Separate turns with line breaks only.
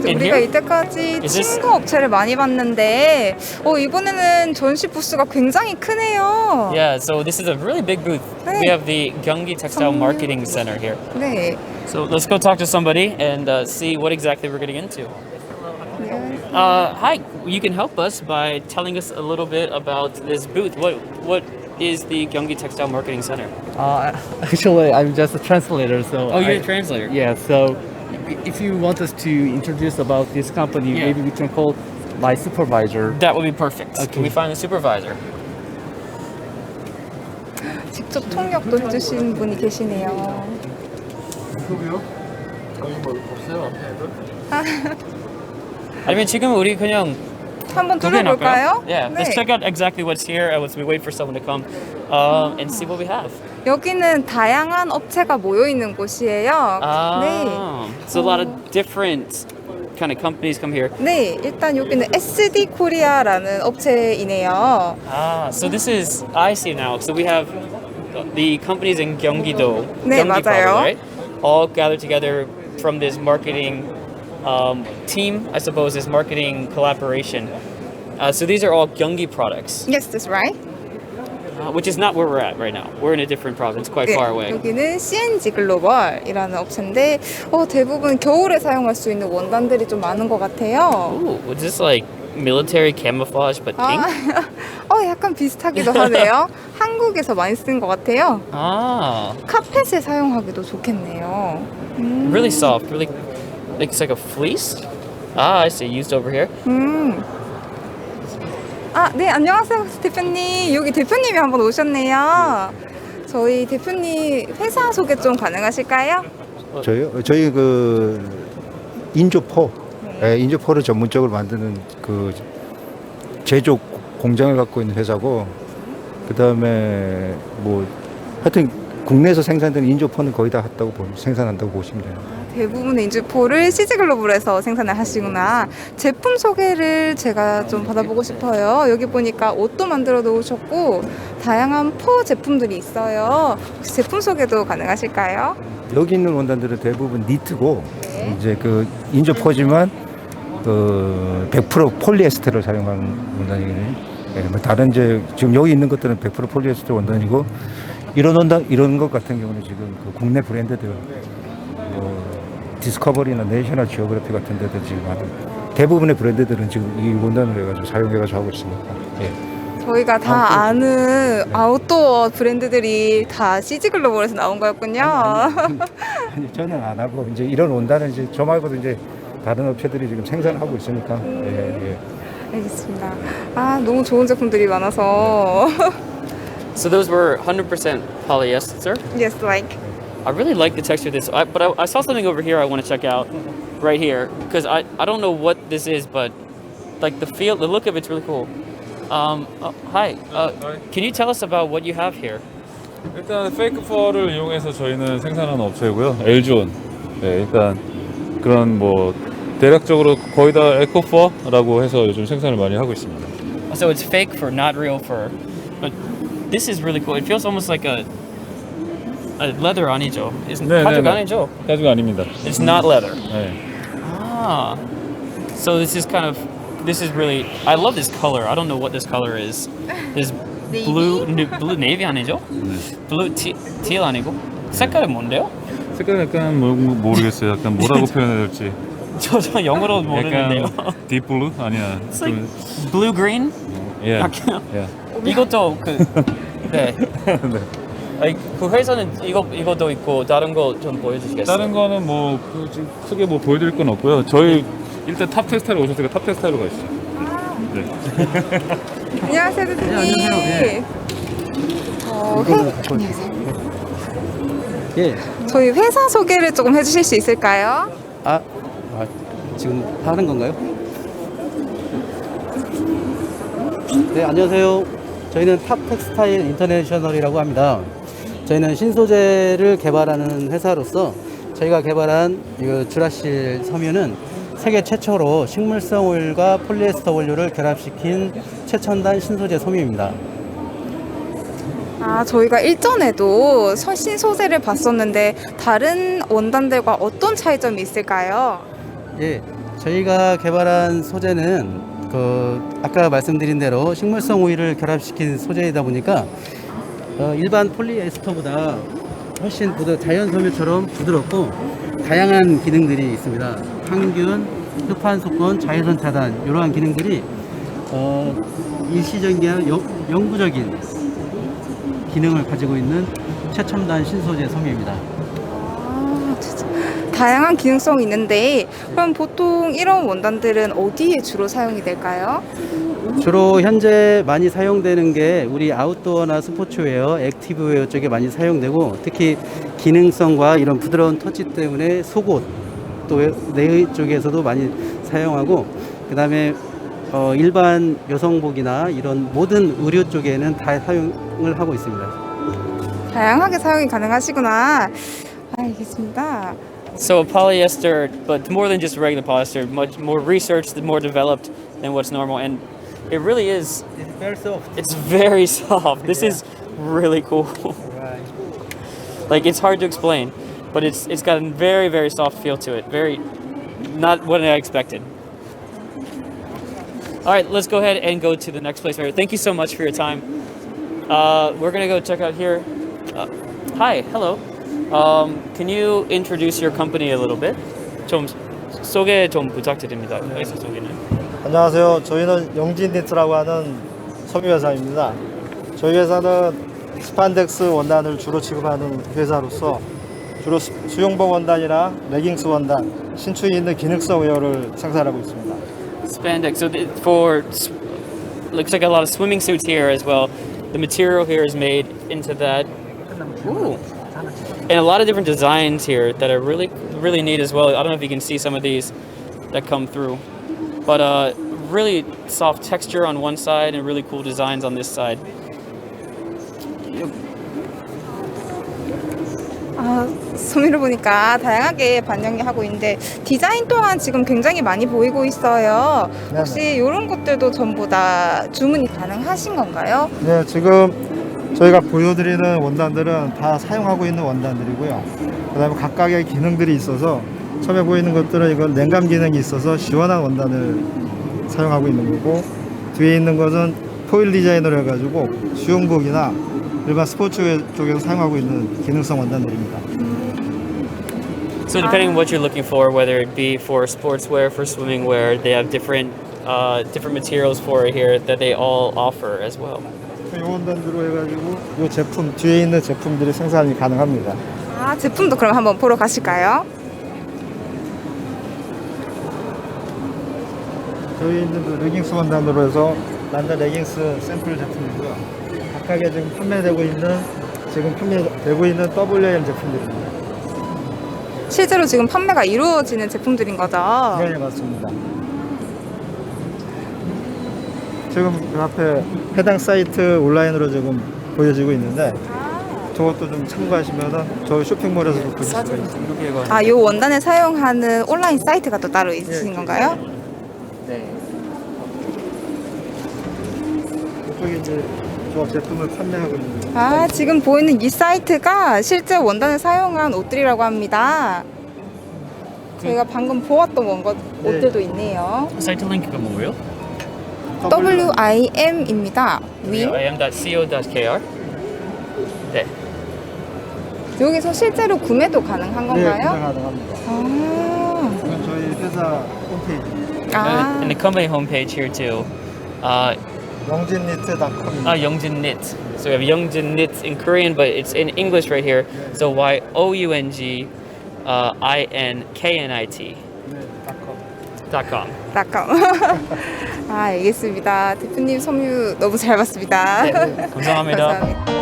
In
우리가
here?
이때까지
Is this-
친구 업체를 많이 봤는데 이번에는 전시 부스가 굉장히 크네요.
Yeah, so this is a really big booth.
Hey.
We have the Gyeonggi Textile Marketing Center here.
네.
So let's go talk to somebody and see what exactly we're getting into.
네.
Hi, you can help us by telling us a little bit about this booth. What is the Gyeonggi Textile Marketing Center?
Actually, I'm just a translator, so.
Oh, you're a translator.
Yeah, so if you want us to introduce about this company,
Yeah.
maybe we can call my supervisor.
That would be perfect.
Okay.
Can we find the supervisor?
직접 통역도 해주신 분이 계시네요.
아니면 지금 우리 그냥
한번
구경할까요?
둘러볼까요?
Yeah, let's
네.
check out exactly what's here as we wait for someone to come and see what we have.
여기는 다양한 업체가 모여 있는 곳이에요. 네.
So a lot of different kind of companies come here.
네, 일단 여기는 SD 코리아라는 업체이네요.
So this is I see now. So we have the companies in Gyeonggi-do,
네,
Gyeonggi
맞아요.
probably, right? All gathered together from this marketing team, I suppose, this marketing collaboration. So these are all Gyeonggi products,
Yes, that's right.
which is not where we're at right now. We're in a different province, quite
네,
far away.
여기는 CNG 글로벌이라는 업체인데 대부분 겨울에 사용할 수 있는 원단들이 좀 많은 것 같아요.
Ooh, was this like military camouflage but pink?
약간 비슷하기도 하네요. 한국에서 많이 쓰는 것 같아요. 카펫에 사용하기도 좋겠네요.
Really soft, really, it's like a fleece. I see, used over here.
네, 안녕하세요, 대표님. 여기 대표님이 한번 오셨네요. 저희 대표님 회사 소개 좀 가능하실까요?
저희요? 저희 그 인조포, 인조포를 전문적으로 만드는 그 제조 공장을 갖고 있는 회사고, 그 다음에 뭐 하여튼 국내에서 생산되는 인조포는 거의 다 생산한다고 보시면 돼요.
대부분의 인주포를 CG글로벌에서 생산을 하시구나. 제품 소개를 제가 좀 받아보고 싶어요. 여기 보니까 옷도 만들어 놓으셨고 다양한 포 제품들이 있어요. 혹시 제품 소개도 가능하실까요?
여기 있는 원단들은 대부분 니트고,
네.
이제 그 인조포지만 그 100% 폴리에스테를 사용하는 원단이거든요. 뭐 다른 이제 지금 여기 있는 것들은 100% 폴리에스테 원단이고, 이런 원단 이런 것 같은 경우는 지금 그 국내 브랜드들 뭐 디스커버리나 내셔널 지오그래피 같은 데도 지금 대부분의 브랜드들은 지금 이 원단을 해가지고 사용해가지고 하고 있으니까. 예.
저희가 다 아는 아웃도어 브랜드들이 다 CG글로벌에서 나온 거였군요.
아니, 저는 안 하고 이제 이런 원단은 이제 저 말고도 이제 다른 업체들이 지금 생산하고 있으니까. 예, 예.
알겠습니다. 너무 좋은 제품들이 많아서.
So those were 100% polyester.
Yes, like.
I really like the texture of this, but I saw something over here I want to check out right here because I don't know what this is, but like the look of it's really cool. Hi, can you tell us about what you have here?
일단 페이크 펄을 이용해서 저희는 생산하는 업체고요. 엘존. 네, 일단 그런 뭐 대략적으로 거의 다 에코퍼라고 해서 요즘 생산을 많이 하고 있습니다.
So it's fake fur, not real fur, but this is really cool. It feels almost like a leather 아니죠?
네,
가죽
네.
아니죠?
가죽 아닙니다.
It's not leather.
네.
So this is really. I love this color. I don't know what this color is. This blue navy 아니죠? Blue teal 아니고? 색깔은 뭔데요?
색깔 약간 모르겠어요. 약간 뭐라고 표현해야 될지.
저 영어로 모르는데요.
약간 딥블루 아니야.
It's like blue green.
예.
예. 이것도 네.
네.
아니, 그 회사는 이것도 있고 다른 거 좀 보여주시겠어요?
다른 거는 뭐 지금 크게 뭐 보여드릴 건 없고요. 저희 일단 탑 텍스타일에 오셨으니까 탑 텍스타일로 가시죠. 네.
안녕하세요, 대표님.
안녕하세요. 예.
저희 회사 소개를 조금 해주실 수 있을까요?
지금 하는 건가요? 네, 안녕하세요. 저희는 탑 텍스타일 인터내셔널이라고 합니다. 저희는 신소재를 개발하는 회사로서 저희가 개발한 이 주라실 섬유는 세계 최초로 식물성 오일과 폴리에스터 원료를 결합시킨 최첨단 신소재 섬유입니다.
저희가 일전에도 신소재를 봤었는데 다른 원단들과 어떤 차이점이 있을까요?
예,
저희가 개발한 소재는 아까 말씀드린 대로 식물성 오일을 결합시킨 소재이다 보니까 일반 폴리에스터보다 훨씬 자연 섬유처럼 부드럽고 다양한 기능들이 있습니다. 항균, 흡판 속건, 자외선 차단 이러한 기능들이 일시적인 영구적인 기능을 가지고 있는 최첨단 신소재 섬유입니다.
진짜 다양한 기능성이 있는데 그럼 보통 이런 원단들은 어디에 주로 사용이 될까요?
주로 현재 많이 사용되는 게 우리 아웃도어나 스포츠웨어, 액티브웨어 쪽에 많이 사용되고 특히 기능성과 이런 부드러운 터치 때문에 속옷 또 내의 쪽에서도 많이 사용하고 그다음에 일반 여성복이나 이런 모든 의류 쪽에는 다 사용을 하고 있습니다.
다양하게 사용이 가능하시구나. 알겠습니다.
So polyester, but more than just regular polyester, much more researched, more developed than what's normal, and it really is.
It's very soft.
It's very soft. This is really cool.
Right.
Like it's hard to explain, but it's got a very very soft feel to it. Very, not what I expected. All right, let's go ahead and go to the next place. Thank you so much for your time. We're gonna go check out here. Hi, hello. Can you introduce your company a little bit? 좀 소개 좀 부탁드립니다. 회사 소개는.
안녕하세요. 저희는 영진니트라고 하는 섬유 회사입니다. 저희 회사는 스판덱스 원단을 주로 취급하는 회사로서 주로 수영복 원단이나 레깅스 원단, 신축이 있는 기능성 웨어를 생산하고 있습니다.
Spandex. So looks like a lot of swimming suits here as well. The material here is made into that. Ooh. And a lot of different designs here that are really really neat as well. I don't know if you can see some of these that come through. But really soft texture on one side and really cool designs on this side.
소미를 보니까 다양하게 반영이 하고 있는데 디자인 또한 지금 굉장히 많이 보이고 있어요. 혹시 이런 것들도 전부 다 주문이 가능하신 건가요?
네, 지금 저희가 보여드리는 원단들은 다 사용하고 있는 원단들이고요. 그 다음에 각각의 기능들이 있어서 처음에 보이는 것들은 이건 냉감 기능이 있어서 시원한 원단을 사용하고 있는 거고 뒤에 있는 것은 포일 디자인으로 해가지고 수영복이나 일반 스포츠웨어 쪽에서 사용하고 있는 기능성 원단들입니다.
So depending on what you're looking for, whether it be for sportswear, for swimming wear, they have different materials for it here that they all offer as well.
이 원단으로 해가지고 이 제품 뒤에 있는 제품들이 생산이 가능합니다.
제품도 그럼 한번 보러 가실까요?
저희 있는 그 레깅스 원단으로 해서 남자 레깅스 샘플 제품이고요. 각각의 지금 판매되고 있는 WM 제품들입니다.
실제로 지금 판매가 이루어지는 제품들인 거죠?
네, 맞습니다. 지금 그 앞에 해당 사이트 온라인으로 지금 보여지고 있는데 저것도 좀 참고하시면은 저희 쇼핑몰에서 좀 보실 수가 있습니다.
이 원단을 사용하는 온라인 사이트가 또 따로 있으신 건가요?
네.
이쪽에 이제 저 제품을 판매하고 있는.
지금 보이는 이 사이트가 실제 원단을 사용한 옷들이라고 합니다. 저희가 방금 보았던 옷들도 있네요.
사이트 링크가 뭐예요?
WIM입니다. wim.
im.co.kr. 네.
여기서 실제로 구매도 가능한
네, 구매
건가요?
가능합니다. 이건 저희 회사 홈페이지.
And the company homepage here too.
영진니트.com.
Youngjin Knit. So we have Youngjin Knit in Korean, but it's in English right here. So YOUNG INKNIT. .com.
알겠습니다. 대표님 섬유 너무 잘 봤습니다.
감사합니다.
감사합니다.